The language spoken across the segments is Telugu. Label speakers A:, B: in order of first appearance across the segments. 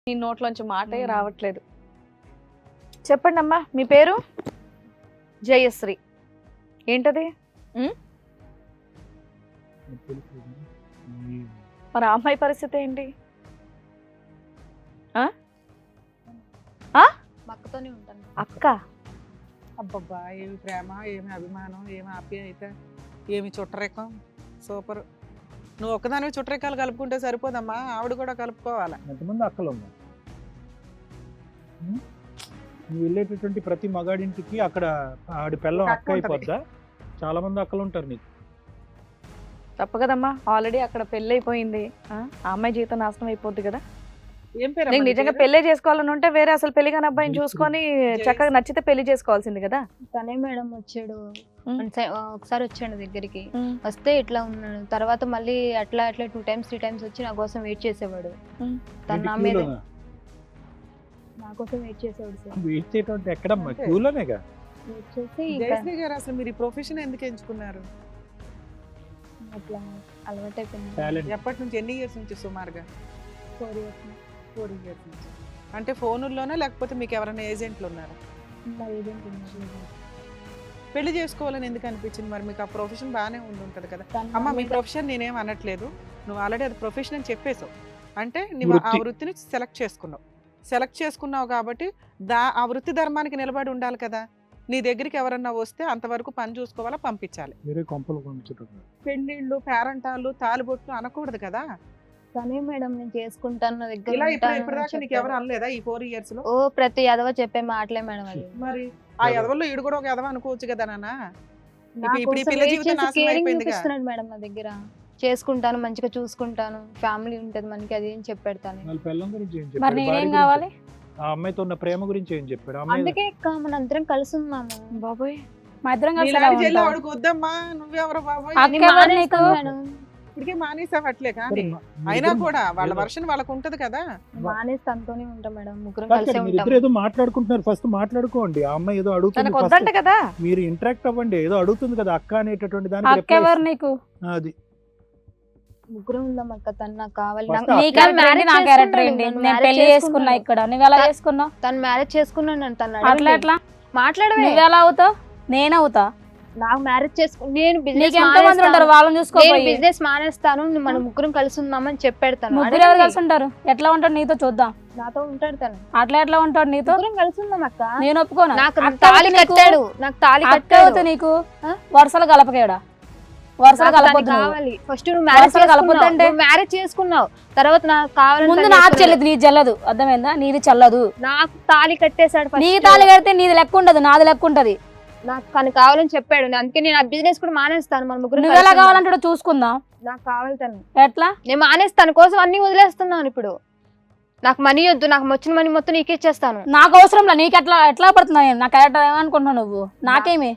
A: నీ నోట్లోంచి మాటే రావట్లేదు. చెప్పండి అమ్మా, మీ పేరు? జయశ్రీ. ఏంటది? మరి ఆ అమ్మాయి పరిస్థితి ఏంటి?
B: అక్కతోనే ఉంటాను.
A: అక్క?
C: అబ్బబ్బా, ఏమి ప్రేమ, ఏమి అభిమానం, ఏమి ఆప్యాయత, ఏమి చుట్టరేకం. సూపర్. నువ్వు ఒక్కదానివి చుట్టరేకాలు కలుపుకుంటే సరిపోదమ్మా, ఆవిడ కూడా కలుపుకోవాలి.
D: ఎంతమంది అక్కలు ఉన్నా నువ్వు వెళ్ళేటటువంటి ప్రతి మగాడింటికి అక్కడ ఆడి పిల్లం అక్క అయిపోద్దా? చాలా మంది అక్కలు ఉంటారు నీకు.
A: తప్పు కదమ్మా, ఆల్రెడీ అక్కడ పెళ్లి అయిపోయింది. ఆ అమ్మాయి జీవితం నాశనం అయిపోద్ది కదా.
C: ఏం పేరు?
A: నీకు నిజంగా పెళ్లి చేసుకోవాలని ఉంటే వేరే అసలు పెళ్లి కాని అబ్బాయిని చూసుకొని చక్కగా నచ్చితే పెళ్లి చేసుకోవాల్సింది కదా.
B: తనే మేడం వచ్చాడు, ఒకసారి వచ్చాడు దగ్గరికి. వస్తే ఇట్లా ఉన్నాడు, తర్వాత మళ్ళీ అట్లా 2 times 3 times వచ్చి నా కోసం వెయిట్ చేసేవాడు. తన నా మీద నా కోసం వెయిట్ చేసేవాడు సార్.
D: వెయిట్ చేయటం ఎక్కడమ్మా? క్యూలోనేగా
B: వెయిట్ చేసి
C: జయశ్రీ గారు, అసలు మీరు ఈ ప్రొఫెషన్ ఎందుకు ఎంచుకున్నారు?
B: అట్లా అలవాటు అయిపోయింది.
C: ఎప్పటి నుంచి, ఎన్ని ఇయర్స్ నుంచి సుమారుగా?
B: 4 years
C: 4 years నుంచి. అంటే ఫోనుల్లోనే లేకపోతే మీకు ఎవరైనా ఏజెంట్లు ఉన్నారా?
B: నా ఏజెంట్ ఉన్నారు.
C: పెళ్లి చేసుకోవాలని ఎందుకు అనిపించింది? మరి మీకు ఆ ప్రొఫెషన్ బాగానే ఉంటుంది కదా. అమ్మ, మీ ప్రొఫెషన్ నేనేం అనట్లేదు, నువ్వు ఆల్రెడీ అది ప్రొఫెషన్ అని చెప్పేసావు. అంటే నువ్వు ఆ వృత్తిని సెలెక్ట్ చేసుకున్నావు కాబట్టి ఆ వృత్తి ధర్మానికి నిలబడి ఉండాలి కదా. నీ దగ్గరికి ఎవరన్నా వస్తే అంతవరకు పని చూసుకోవాలా, పంపించాలి. పెళ్లిళ్ళు, పేరంటాలు, తాలిబొట్లు అనకూడదు కదా.
B: తనే మేడం నేను చేసుకుంటాను, నా దగ్గర
C: ఇలా ఇప్పటిదాకా నీకు ఎవరు అనలేదా ఈ 4 years లో?
B: ఓ ప్రతి ఎదవ చెప్పే మాటలే మేడం అది.
C: మరి ఆ ఎదవల్లో ఈడు కూడా ఒక ఎదవ అనుకోవచ్చు కదా నాన్న. ఇప్పుడు ఈ పిల్ల జీవితం నాశనం అయిపోయింది కదా
B: మేడం. నా దగ్గర చేసుకుంటాను, మంచిగా చూసుకుంటాను, ఫ్యామిలీ ఉంటది మనకి, అది ఏం చెప్పాడు తనే.
A: మరి నేనేం కావాలి?
D: ఆ అమ్మాయితో ఉన్న ప్రేమ గురించి ఏం చెప్పాడు?
B: అందుకే మన అందరం కలిసి ఉన్నాము.
A: బాబోయ్, మా ఇద్దరం కలిసి
C: వాడికి వద్దమ్మా, నువ్వెవరు బాబోయ్? ఇప్పటికే మానేసావు అట్లే. కానీ అయినా కూడా వాళ్ళ వర్షన్ వాళ్ళకు ఉంటది కదా.
B: మానేసి తనతోనే ఉంటాం మేడం, ముగ్గురం కలిసి ఉంటాం.
D: ఏదో మాట్లాడుకుంటున్నారు, ఫస్ట్ మాట్లాడుకోండి. ఆ అమ్మాయి ఏదో అడుగుతుంది
A: కదా,
D: మీరు ఇంటరాక్ట్ అవ్వండి. ఏదో అడుగుతుంది కదా అక్క అనేటటువంటి దానికి.
A: నీకు
D: అది
B: ముగ్గురం ఉందాం అక్క, తను నాకు కావాలి.
A: పెళ్లి చేసుకున్నా ఇక్కడ, నువ్వు ఎలా చేసుకున్నావు?
B: తను మ్యారేజ్ చేసుకున్నాను, తను
A: అట్లా ఎట్లా
B: మాట్లాడవే?
A: నువ్వు ఎలా అవుతావు? నేనవుతా?
B: నాకు మ్యారేజ్ చేసుకుని నేను బిజినెస్ మానేస్తాను, మన ముగ్గురం కలిసి ఉందామని చెప్పాడు తను.
A: ముగ్గురు ఎవరు కలిసి ఉంటారు? ఎట్లా ఉంటాడు నీతో? చూద్దాం.
B: నాతో ఉంటాడు తను.
A: అట్లా ఎట్లా ఉంటాడు నీతో?
B: కలిసి ఉందాం అక్క.
A: నేను ఒప్పుకోను.
B: నాకు తాళి కట్టాడు, నాకు తాళి కట్టాడు.
A: నీకు వరుసలు కలపకేడా? వరుసలు కలపొద్దు.
B: కావాలి ఫస్ట్ నువ్వు మ్యారేజ్ చేసుకున్నావు, తర్వాత నాకు కావాలి.
A: ముందు నాకు చెల్లదు, నీది చెల్లదు. అర్థమైందా? నీది చెల్లదు.
B: నాకు తాళి కట్టేశాడు.
A: నీ తాళి కడితే నీది లెక్క ఉండదు, నాది లెక్క ఉంటది.
B: నాకు కానీ కావాలని చెప్పాడు, అందుకే నేను ఆ బిజినెస్ కూడా మానేస్తాను. మన ముగ్గురు
A: నువ్వు ఎలా కావాలంటాడో చూసుకుందాం.
B: నాకు కావాలి తను.
A: ఎట్లా?
B: నేను మానేస్తాను, కోసం అన్ని వదిలేస్తున్నాను. ఇప్పుడు నాకు మనీ వద్దు, నాకు వచ్చిన మనీ మొత్తం నీకే ఇచ్చేస్తాను.
A: నాకు అవసరం లేదు. నీకు ఎట్లా ఎట్లా పడుతున్నా? నాకు ఏమనుకుంటున్నావు నువ్వు? నాకేమి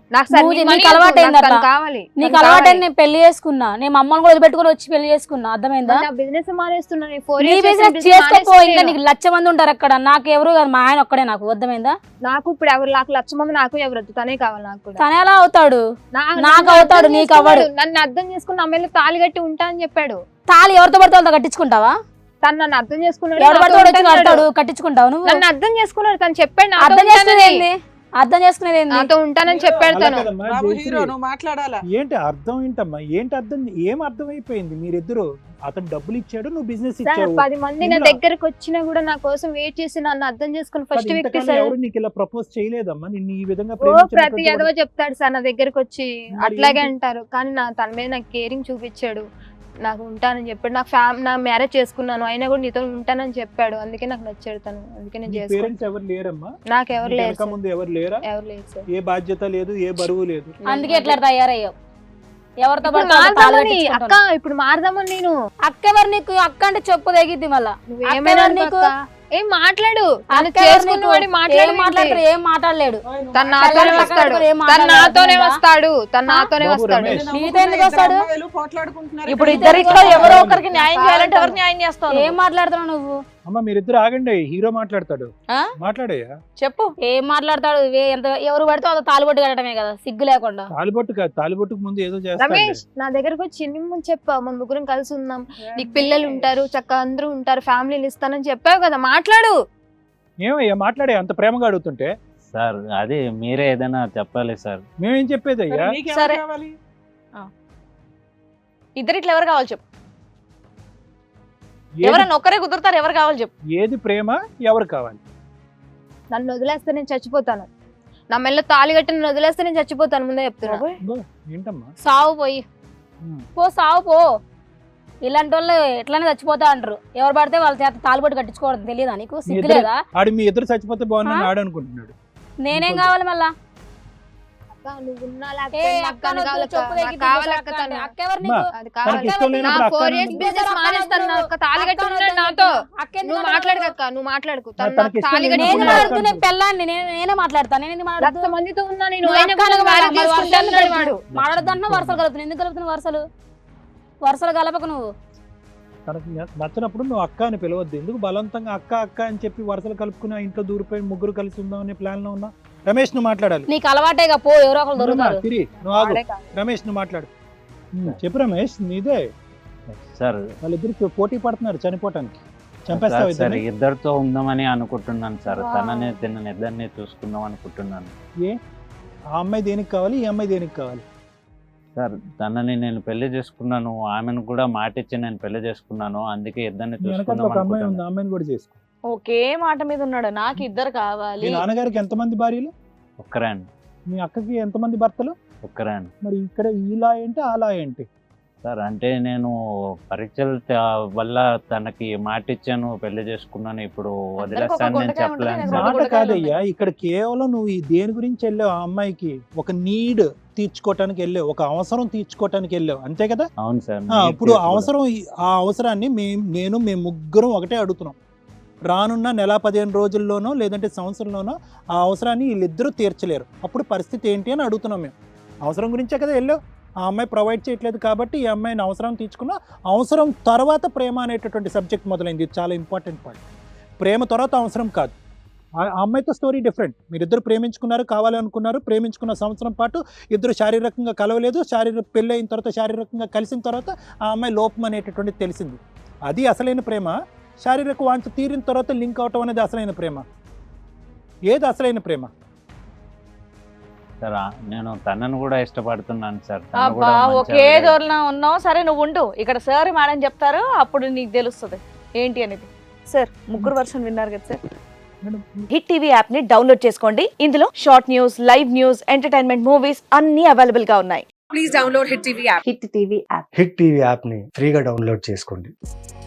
B: కావాలి.
A: నీకు అలవాటైంది. నేను పెళ్లి చేసుకున్నా, నేను అమ్మని కూడా వదిలిపెట్టుకుని వచ్చి పెళ్లి చేసుకున్నా. అర్థమైందా?
B: బిజినెస్ మానేస్తున్నాను.
A: చేసుకోపో, ఇంకా నీకు 1,00,000 మంది ఉంటారు అక్కడ. నాకు ఎవరు కాదు, మా ఆయన ఒక్కడే. నాకు అర్థమైందా?
B: నాకు ఇప్పుడు ఎవరు, నాకు 1,00,000 మంది, నాకు ఎవరు వద్దు, తనే కావాలి. నాకు
A: తనే ఎలా అవుతాడు? నాకు అవుతాడు, నీకు అవ్వడు.
B: నన్ను అర్థం చేసుకుని అమ్మాయిలు తాళి కట్టి ఉంటా అని చెప్పాడు.
A: తాళి ఎవరితో పడితే వాళ్ళతో కట్టించుకుంటావా?
B: తను నన్ను అర్థం చేసుకున్నాడు.
A: కట్టించుకుంటావు నువ్వు?
B: నన్ను అర్థం చేసుకున్నాడు, తను చెప్పాడు.
A: అర్థం చేసుకునేది
B: నాతో ఉంటానని చెప్పాడు తను.
D: ఏంటి అర్థం? ఏంటమ్మా ఏంటి అర్థం? ఏం అర్థం అయిపోయింది? మీరిద్దరు, అతను డబ్బులు ఇచ్చాడు, నువ్వు బిజినెస్ ఇచ్చావు.
B: 10 మంది నా దగ్గరకు వచ్చినా కూడా నా కోసం వెయిట్ చేసి నన్ను అర్థం చేసుకుని ఫస్ట్ వ్యక్తి
D: ఎవరు నీకు ఇలా ప్రపోజ్ చేయలేదమ్మా? నిన్ను ఈ విధంగా
B: ప్రతి ఎదవ చెప్తాడు సార్ నా దగ్గరకు వచ్చి, అట్లాగే అంటారు. కానీ తన మీద నాకు కేరింగ్ చూపించాడు, నాకు ఉంటానని చెప్పాడు. నా మ్యారేజ్ చేసుకున్నాను అయినా కూడా నీతో ఉంటానని చెప్పాడు. అందుకే నాకు నచ్చాడు తను, అందుకే నేను చేసుకున్నాను. నాకు ఎవరు లేరు సార్,
D: ఏ బాధ్యత లేదు, ఏ బరువు లేదు.
A: అందుకే ఎట్లా తయారయ్యావు? ఎవరితో
B: అక్క ఇప్పుడు మారదామని నేను.
A: అక్క ఎవరు నీకు? అక్క అంటే చెప్పు తెగిద్ది. మళ్ళా
B: ఏమైనా నీకు ఏం మాట్లాడు,
A: మాట్లాడతారు. ఏం మాట్లాడలేడు.
B: తన నాతోనే వస్తాడు, తన నాతోనే వస్తాడు, తన నాతోనే వస్తాడు.
A: నీతో ఎందుకు వస్తాడు?
E: ఇప్పుడు ఇద్దరిట్లో ఎవరో ఒకరికి న్యాయం చేయాలంటే ఎవరు న్యాయం చేస్తావు?
A: ఏం మాట్లాడుతున్నావు నువ్వు?
D: అమ్మ మీరిద్దరు ఆగండి, హీరో మాట్లాడతాడు.
A: ఆ?
D: మాట్లాడయ్యా.
A: చెప్పు.
E: ఏం మాట్లాడతాడు ఎంత ఎవరు పడితే అంత తాలుబొట్టు కట్టడమే కదా, సిగ్గు లేకుండా.
D: తాలిబొట్టు కాదు, తాలిబొట్టుకు ముందు ఏదో
B: రమేష్
D: చేస్తాడు.
B: నా దగ్గరకు వచ్చి ముందు చెప్పా మన ముగ్గురం కలిసి ఉందాం, నీకు పిల్లలు ఉంటారు, చక్కగా అందరూ ఉంటారు, ఫ్యామిలీని ఇస్తానని చెప్పావు కదా, మాట్లాడు.
D: ఏమయ్యా మాట్లాడే, అంత ప్రేమగా అడుగుతుంటే
F: సార్ అది మీరే ఏదైనా చెప్పాలి సార్.
D: మేమేం చెప్పేది అయ్యా?
C: నీకెవరు
A: సరే.
C: కావాలి?
A: ఇద్దరిట్లో ఎవరు కావాలి చెప్పు.
D: ఏది-
A: ఎవరైనా ఒక్కరే కుదురుతారు, ఎవరు కావాలి చెప్పు.
D: ఏది ప్రేమ, ఎవరు కావాలి?
B: నన్ను వదిలేస్తే నేను చచ్చిపోతాను, నా మెల్ల తాళి కట్టి నన్ను వదిలేస్తే నేను చచ్చిపోతాను, ముందే చెప్తున్నా.
A: బాబోయ్.
D: ఇదిగో, ఏంటమ్మా?
E: సావు పోయి
D: ఉమ్.
E: పో, సావు పో. ఇలాంటి వాళ్ళు ఎట్లానే చచ్చిపోతా అంటారు, ఎవరు పడితే వాళ్ళ చేత తాలుబొట్టు కట్టించుకోవడం తెలియదా నీకు, సిగ్గు
D: ఇద్దరు-
E: లేదా?
D: ఆడు మీ ఇద్దరు చచ్చిపోతే బాగుందని ఆడు అనుకుంటున్నాడు.
E: నేనేం కావాలి మళ్ళా?
B: అక్క, నువ్వు ఉన్నా
E: ఏ
B: లేకపోయినా
E: అక్క
B: నాకు
E: నొద్దు,
B: కావాలి అక్క,
E: చెప్పు
B: నాకు
E: దగ్గర
B: కావాలి
E: తీసుకొస్తా
B: అక్క
E: అక్క
B: తను.
E: అంటే. అక్క ఎవరు
D: అమ్మా,
E: నీకు?
B: అది
D: తనకి
B: కావాలి.
D: ఇష్టం
B: నా
D: లేనప్పుడు అక్క
B: 4 years
D: ఎందుకు?
B: బిజినెస్ మానేస్తాను, నా అక్క తాళి కట్టి ఉన్నాడు నాతో.
E: అక్క ఎందుకు
B: నువ్వు
E: మాట్లాడదు?
B: మాట్లాడక, నువ్వు మాట్లాడుకు, తను
D: తనకి
B: నాకు
D: ఇష్టం
B: తాళి కట్టి
E: నేను
D: లేనప్పుడు
B: ఉన్నాడు.
E: మాట్లాడుతూ నేను పెళ్ళాన్ని నేనే మాట్లాడతాను, నేను ఎందుకు మాట్లాడదు?
B: లక్ష మందితో ఉన్నా నేను,
E: నువ్వు
B: అయినా
E: అక్క
B: కూడా
E: అనగా
B: marriage
E: మరి
B: చేసుకుంటాను
E: వర్షాలు
B: అన్నాడు వాడు.
E: మాట్లాడద్దన్నా వరుసలు కలుపుతున్నావు, ఎందుకు కలుపుతున్నావు వరుసలు? వరుసలు కలపకు నువ్వు.
D: తనకి నచ్చినప్పుడు నువ్వు అక్క అని పిలవద్దు. ఎందుకు బలవంతంగా అక్క అక్క అని చెప్పి వరుసలు కలుపుకుని ఆ ఇంట్లో దూరిపోయి ముగ్గురు కలిసి ఉందాం అనే ప్లాన్ లో ఉన్నా? రమేష్ నువ్వు మాట్లాడాలి.
E: నీకు అలవాటేగా, పో, ఎవరో ఒకరు దొరుకుతారు.
D: తిరిగి నువ్వు ఆగు.
B: వాడే కాదు.
D: రమేష్ నువ్వు మాట్లాడు. చెప్పు రమేష్, నీదే.
F: సార్
D: వాళ్ళిద్దరు పోటీ పడుతున్నారు చనిపోవటానికి.
F: సార్
D: చంపేస్తావు
F: సార్
D: ఇద్దరిని?
F: ఇద్దరితో ఉందామని అనుకుంటున్నాను సార్.
B: Wow.
F: తనని తిన్నని ఇద్దరిని చూసుకుందాం అనుకుంటున్నాను
D: ఏ ఆ అమ్మాయి దేనికి కావాలి, ఈ అమ్మాయి దేనికి కావాలి?
F: సార్. తనని నేను పెళ్లి చేసుకున్నాను, ఆమెను కూడా మాటిచ్చి నేను పెళ్లి చేసుకున్నాను, అందుకే ఇద్దరిని
D: నీ వెనకాల
F: చూసుకుందాం
D: ఒక అమ్మాయి ఉంది,
F: అనుకుంటున్నాను.
D: ఆ అమ్మాయిని కూడా చేసుకో.
A: ఒకే మాట మీద ఉన్నాడు, నాకు ఇద్దరు కావాలి.
D: మీ నాన్నగారికి ఎంతమంది భార్యలు?
F: ఒక్కరే అండి,
D: మీ అక్కకి ఎంతమంది భర్తలు?
F: ఒక్కరే అండి.
D: మరి ఇక్కడ ఇలా ఏంటి అలా ఏంటి?
F: సార్ అంటే నేను పరీక్షల వల్ల తనకి మాటిచ్చాను, పెళ్లి చేసుకున్నాను, ఇప్పుడు వదిలేస్తాను నేను
A: గుండెకాయ
F: చెప్పలేను
A: ఉంటుంది,
F: సార్.
A: రెండు
D: మాట
A: గుండెకాయలు
D: కాదయ్యా, ఇక్కడ కేవలం నువ్వు ఈ దేని గురించి వెళ్ళావు? ఆ అమ్మాయికి ఒక నీడ్ తీర్చుకోవటానికి వెళ్ళావు, ఒక అవసరం తీర్చుకోవటానికి వెళ్ళావు, అంతే కదా?
F: అవును సార్.
D: ఇప్పుడు అవసరం, ఆ అవసరాన్ని మేము ముగ్గురం ఒకటే అడుగుతున్నాం. రానున్న నెల 15 రోజుల్లోనో లేదంటే సంవత్సరంలోనో ఆ అవసరాన్ని వీళ్ళిద్దరూ తీర్చలేరు, అప్పుడు పరిస్థితి ఏంటి అని అడుగుతున్నాం మేము. అవసరం గురించే కదా వెళ్ళావు. ఆ అమ్మాయి ప్రొవైడ్ చేయట్లేదు కాబట్టి ఈ అమ్మాయిని అవసరం తీర్చుకున్నా. అవసరం తర్వాత ప్రేమ అనేటటువంటి సబ్జెక్ట్ మొదలైంది. ఇది చాలా ఇంపార్టెంట్ పాయింట్. ప్రేమ తర్వాత అవసరం కాదు. ఆ అమ్మాయితో స్టోరీ డిఫరెంట్. మీరిద్దరు ప్రేమించుకున్నారు, కావాలనుకున్నారు, ప్రేమించుకున్న సంవత్సరం పాటు ఇద్దరు శారీరకంగా కలవలేదు. పెళ్ళి అయిన తర్వాత శారీరకంగా కలిసిన తర్వాత ఆ అమ్మాయి లోపం అనేటటువంటిది తెలిసింది. అది అసలైన ప్రేమ. శారీరక వాంఛ తీరిన తర్వాత లింక్ అవటం అనేది అసలైన ప్రేమ. ఏది అసలైన ప్రేమ?
F: సార్ నేను తనను కూడా ఇష్టపడుతున్నాను సార్. తను
A: అబ్బా
F: కూడా మంచి
A: ఒకే
F: ఆవిడే.
A: దూరంలో ఉన్నావు. సరే నువ్వు ఉండు, ఇక్కడ సార్ మేడం చెప్తారు, అప్పుడు నీకు తెలుస్తుంది ఏంటి అనేది. సార్ ముగ్గురు వర్షన్ విన్నారు కదా సార్. హిట్ టీవీ యాప్ ని డౌన్లోడ్ చేసుకోండి. ఇందులో short news, live news, entertainment movies అన్ని అవైలబుల్ గా ఉన్నాయి.
G: హిట్ టీవీ యాప్ ని ఫ్రీగా డౌన్లోడ్ చేసుకోండి.